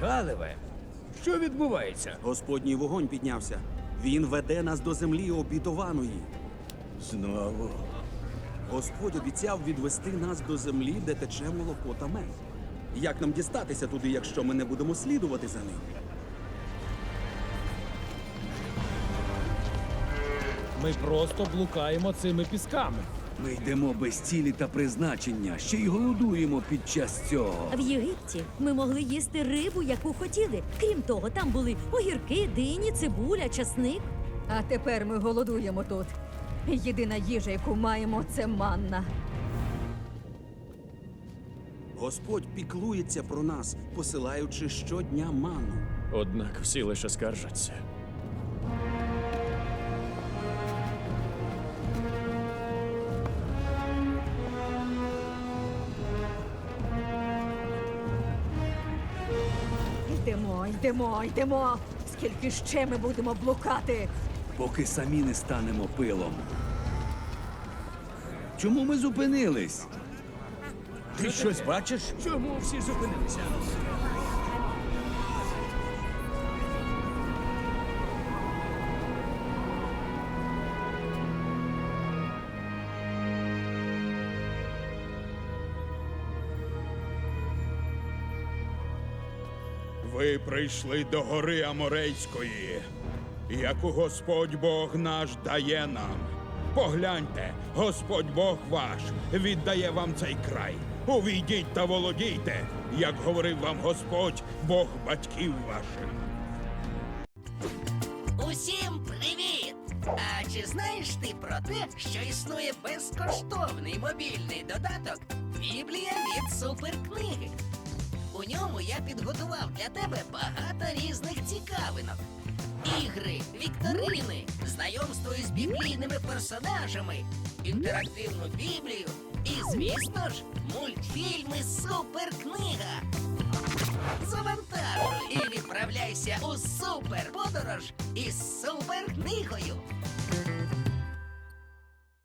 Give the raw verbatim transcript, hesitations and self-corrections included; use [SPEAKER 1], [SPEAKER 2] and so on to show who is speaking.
[SPEAKER 1] Калеве, що відбувається?
[SPEAKER 2] Господній вогонь піднявся. Він веде нас до землі обітованої.
[SPEAKER 1] Знову.
[SPEAKER 2] Господь обіцяв відвести нас до землі, де тече молоко та мед. Як нам дістатися туди, якщо ми не будемо слідувати за ним?
[SPEAKER 3] Ми просто блукаємо цими пісками.
[SPEAKER 1] Ми йдемо без цілі та призначення, ще й голодуємо під час цього.
[SPEAKER 4] В Єгипті ми могли їсти рибу, яку хотіли. Крім того, там були огірки, дині, цибуля, часник.
[SPEAKER 5] А тепер ми голодуємо тут. Єдина їжа, яку маємо, це манна.
[SPEAKER 2] Господь піклується про нас, посилаючи щодня манну.
[SPEAKER 6] Однак всі лише скаржаться.
[SPEAKER 5] Йдемо, йдемо, йдемо. Скільки ще ми будемо блукати?
[SPEAKER 1] Поки самі не станемо пилом. Чому ми зупинились?
[SPEAKER 3] Ти щось бачиш?
[SPEAKER 1] Чому всі зупинилися?
[SPEAKER 7] Ви прийшли до гори Аморейської, яку Господь Бог наш дає нам. Погляньте, Господь Бог ваш віддає вам цей край. Увійдіть та володійте, як говорив вам Господь, Бог батьків ваших.
[SPEAKER 8] Усім привіт! А чи знаєш ти про те, що існує безкоштовний мобільний додаток Біблія від суперкниги? У ньому я підготував для тебе багато різних цікавинок. Ігри, вікторини, знайомство із біблійними персонажами, інтерактивну Біблію і, звісно ж, мультфільми «Суперкнига». Завантажуй і відправляйся у суперподорож із суперкнигою.